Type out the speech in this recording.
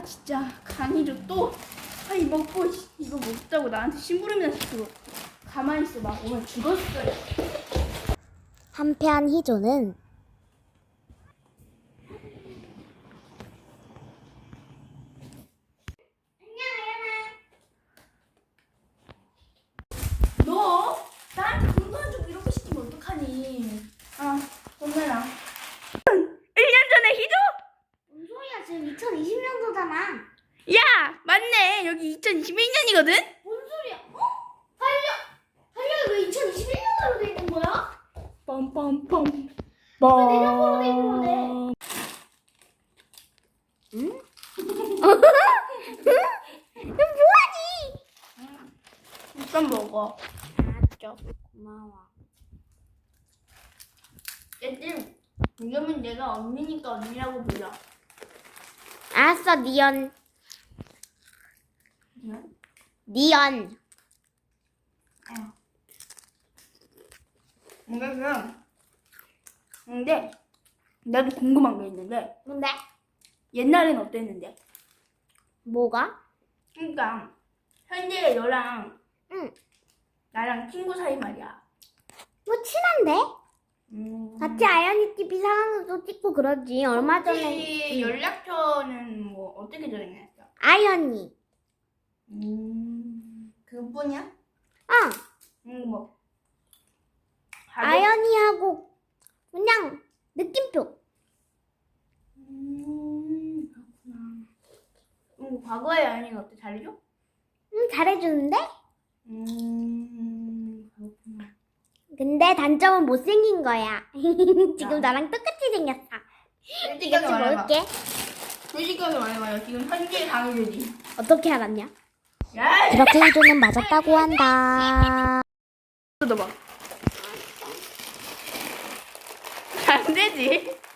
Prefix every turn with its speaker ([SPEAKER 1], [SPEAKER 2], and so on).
[SPEAKER 1] 아 진짜 강희조 또 이거 먹자고 나한테 심부름이나 시키고 가만히 있어 막 오면 죽었어요.
[SPEAKER 2] 한편 희조는
[SPEAKER 1] 너 나한테 공부한 적 이렇게 시키면 어떡하니? 돈 내라. 1년 전에 희조?
[SPEAKER 2] 뭔 소리야? 지금 2020년도잖아.
[SPEAKER 1] 야 맞네 여기 2021년이거든?
[SPEAKER 2] 뭔 소리야? 달력이 왜 2021년도로 돼 있는 거야?
[SPEAKER 1] 빰빰빰
[SPEAKER 2] 왜 내년도로 돼 있는 거네? 응? 뭐하니?
[SPEAKER 1] 일단 먹어.
[SPEAKER 2] 알았죠. 고마워.
[SPEAKER 1] 얘들 이러면 내가 언니니까 언니라고 불러.
[SPEAKER 2] 알았어, 니언.
[SPEAKER 1] 응?
[SPEAKER 2] 니언.
[SPEAKER 1] 근데 나도 궁금한 게 있는데
[SPEAKER 2] 뭔데?
[SPEAKER 1] 옛날엔 어땠는데?
[SPEAKER 2] 뭐가?
[SPEAKER 1] 그러니까 현재 너랑
[SPEAKER 2] 응.
[SPEAKER 1] 나랑 친구 사이 말이야.
[SPEAKER 2] 뭐 친한데? 같이 아연이 TV 상황도 찍고 그러지. 얼마 전에
[SPEAKER 1] 혹시 연락처는 뭐 어떻게 정했어?
[SPEAKER 2] 아연이.
[SPEAKER 1] 그뿐이야? 뭐
[SPEAKER 2] 아연이하고 그냥 느낌표.
[SPEAKER 1] 그렇구나. 과거의 아연이가 어때? 잘해줘?
[SPEAKER 2] 잘해주는데?
[SPEAKER 1] 그렇구나.
[SPEAKER 2] 근데 단점은 못생긴 거야. 지금
[SPEAKER 1] 야.
[SPEAKER 2] 나랑 똑같이 생겼어.
[SPEAKER 1] 솔직하게
[SPEAKER 2] 이것 좀
[SPEAKER 1] 말해봐.
[SPEAKER 2] 먹을게.
[SPEAKER 1] 솔직하게 말해봐요. 지금 현재 강의되지.
[SPEAKER 2] 어떻게 알았냐?
[SPEAKER 1] 야!
[SPEAKER 2] 그렇게 희조는 맞았다고 한다.
[SPEAKER 1] 뜯어봐. 안 되지.